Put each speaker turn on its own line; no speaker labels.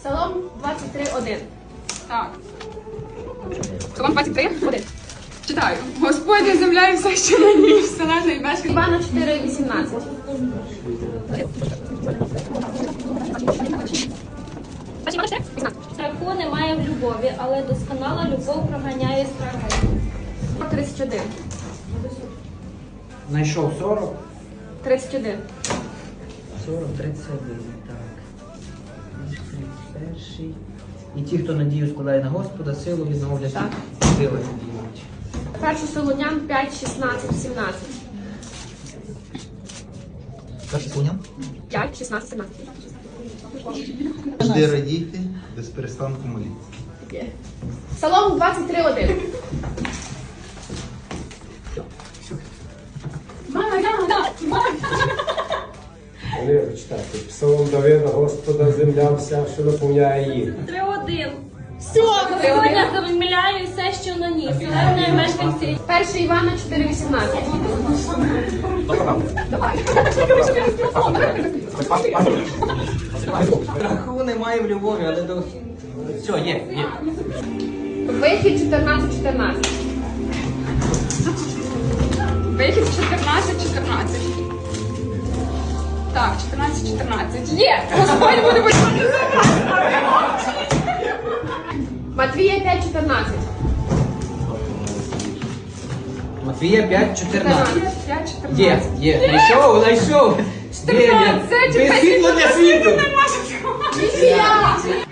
Псалом 23:1.
Так. Псалом 23:1. Читаю. Господня земля і все, що на ній, вселена і мешкає.
Івана 4:18.
Страху немає в любові, але досконала любов проганяє страхи.
31.
Знайшов 40.
31.
40, 31, так. 31. І ті, хто надію складає на Господа, силу відновлять.
Так.
Сила надіють.
1 Солонян 5:16-17.
Перший Солонян.
5:16-17.
Завжди радійте, без перестанку моліться.
Псалом 23:1.
Вони читати. Псалом Давида, Господа, земля вся, що наповняє їх.
3:1. Господня земля і все, що на ній, вселена і мешканці.
1 Івана 4:18.
Страху немає в любові, але до... Все, є.
Вихід 14:14.
Вихід 14:14. Так, 14:14. Є! Господь буде будувати.
Матвія 5:14.
Матвія 5:14.
5:14.
Є. Знайшов. Є.
14.
Без світло для світу.
Нічия!